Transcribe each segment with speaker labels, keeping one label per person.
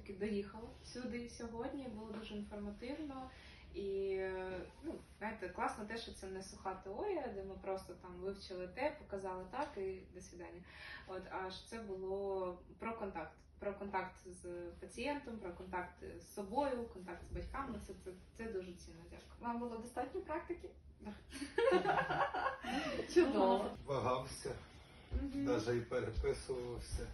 Speaker 1: таки доїхала сюди сьогодні, було дуже інформативно. І знаєте, класно те, що це не суха теорія, де ми просто там вивчили те, показали так і до свидання. А що це було про контакт. Про контакт з пацієнтом, про контакт з собою, контакт з батьками. Це дуже цінно. Дякую.
Speaker 2: Вам було достатньо практики?
Speaker 1: Чудово.
Speaker 3: Вагався, навіть і переписувався.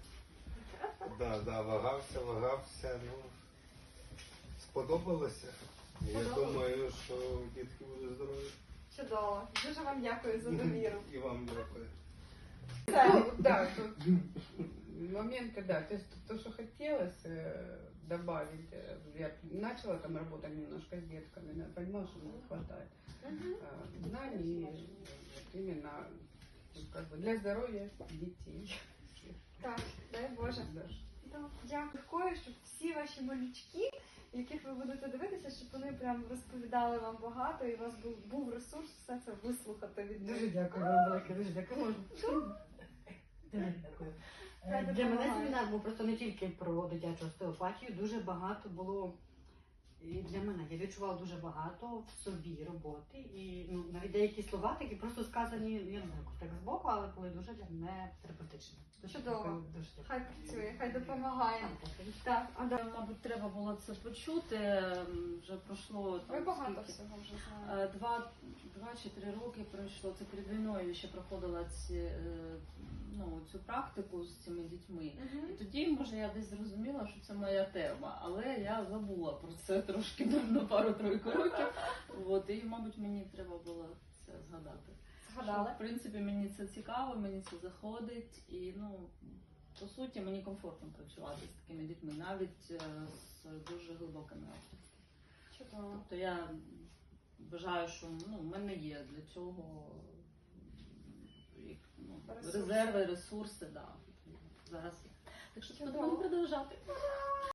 Speaker 3: Вагався. Сподобалося. Я думаю, що дітки будуть здорові.
Speaker 2: Чудово. Дуже вам дякую за довіру.
Speaker 3: І вам дякую.
Speaker 4: Да, тут моменты, да, то есть то, что хотелось добавить, я начала там работать немножко с детками, но понимала, что мне не хватает знаний именно как бы для здоровья детей.
Speaker 2: Так, дай Боже. Дякую, щоб всі ваші малючки, яких ви будете дивитися, щоб вони прям розповідали вам багато і у вас був ресурс все це вислухати від них.
Speaker 5: Дуже дякую вам велике, дуже дякую. Можна? Дуже дякую. Для мене семінар був просто не тільки про дитячу остеопатію, дуже багато було і для мене. Я відчувала дуже багато в собі роботи і навіть деякі слова такі просто сказані, я не знаю, так збоку, але були дуже для мене терапевтичні.
Speaker 2: Чудово.
Speaker 5: Дуже дякую.
Speaker 2: Хай працює, хай допомагає. Так,
Speaker 6: Мабуть, треба було це почути. Вже пройшло там,
Speaker 2: ви багато
Speaker 6: скільки?
Speaker 2: всього вже знаєте.
Speaker 6: 2 чи 3 роки пройшло. Це перед війною ще проходила цю практику з цими дітьми. І тоді, може, я десь зрозуміла, що це моя тема, але я забула про це трошки на пару-тройку років. І, мабуть, мені треба було це згадати.
Speaker 2: Згадали?
Speaker 6: Що, в принципі, мені це цікаво, мені це заходить і, по суті, мені комфортно працювати з такими дітьми, навіть з дуже глибокими авторствами.
Speaker 2: Чудово.
Speaker 6: Тобто я вважаю, що в мене є для цього резерви, ресурси, да. Зараз є. Так що будемо продовжати.